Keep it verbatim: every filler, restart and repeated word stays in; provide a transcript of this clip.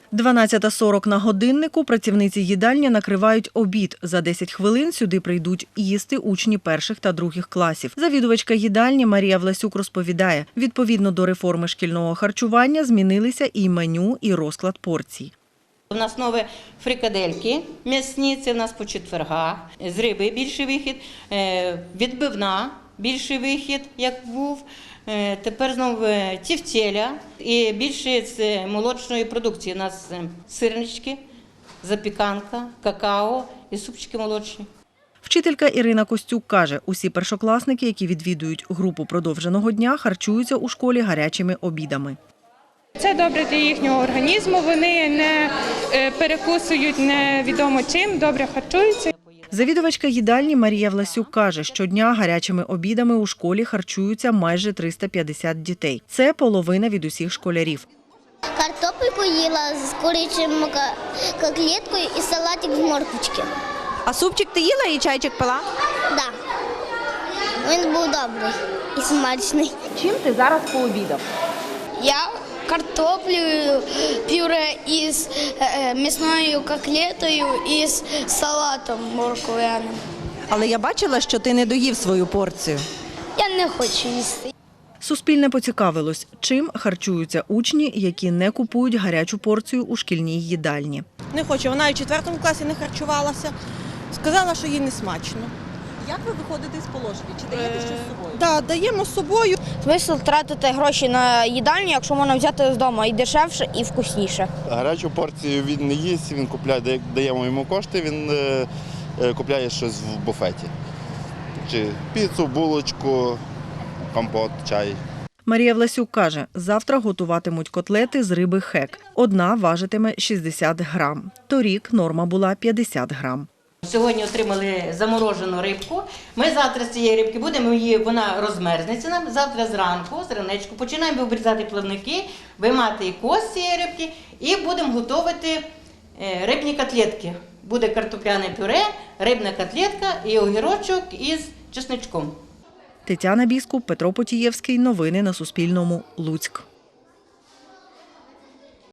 дванадцята сорок на годиннику працівниці їдальні накривають обід. За десять хвилин сюди прийдуть їсти учні перших та других класів. Завідувачка їдальні Марія Власюк розповідає, відповідно до реформи шкільного харчування змінилися і меню, і розклад порцій. У нас нові фрикадельки м'ясні, це у нас по четвергах, з риби більший вихід, відбивна більший вихід, як був. Тепер знову тівтєля і більше з молочної продукції. У нас сирнички, запіканка, какао і супчики молочні. Вчителька Ірина Костюк каже, усі першокласники, які відвідують групу продовженого дня, харчуються у школі гарячими обідами. Це добре для їхнього організму, вони не перекусують невідомо чим, добре харчуються. Завідувачка їдальні Марія Власюк каже, щодня гарячими обідами у школі харчуються майже триста п'ятдесят дітей. Це половина від усіх школярів. Картопельку їла з курячим котлеткою і салатик з морквочки. А супчик ти їла і чайчик пила? Так. Да. Він був добрий і смачний. Чим ти зараз пообідав? Я картоплею, пюре із м'ясною котлетою і з салатом морквяним. Але я бачила, що ти не доїв свою порцію. Я не хочу їсти. Суспільне поцікавилось, чим харчуються учні, які не купують гарячу порцію у шкільній їдальні. Не хочу, вона і в четвертому класі не харчувалася. Сказала, що їй не смачно. Як ви виходите з положення? Чи даєте щось з собою? Так, да, даємо з собою. Смисл тратити гроші на їдальню, якщо можна взяти з дому і дешевше, і вкусніше. Гарячу порцію він не їсть, він купляє, даємо йому кошти, він е, е, купляє щось в буфеті. Чи піцу, булочку, компот, чай. Марія Власюк каже, завтра готуватимуть котлети з риби хек. Одна важитиме шістдесят грам. Торік норма була п'ятдесят грам. Сьогодні отримали заморожену рибку. Ми завтра з цієї рибки будемо її, вона розмерзнеться нам. Завтра зранку, зранечку, починаємо обрізати плавники, виймати кость цієї рибки і будемо готувати рибні котлетки. Буде картопляне пюре, рибна котлетка і огірочок із чесничком. Тетяна Біскуп, Петро Потієвський. Новини на Суспільному. Луцьк.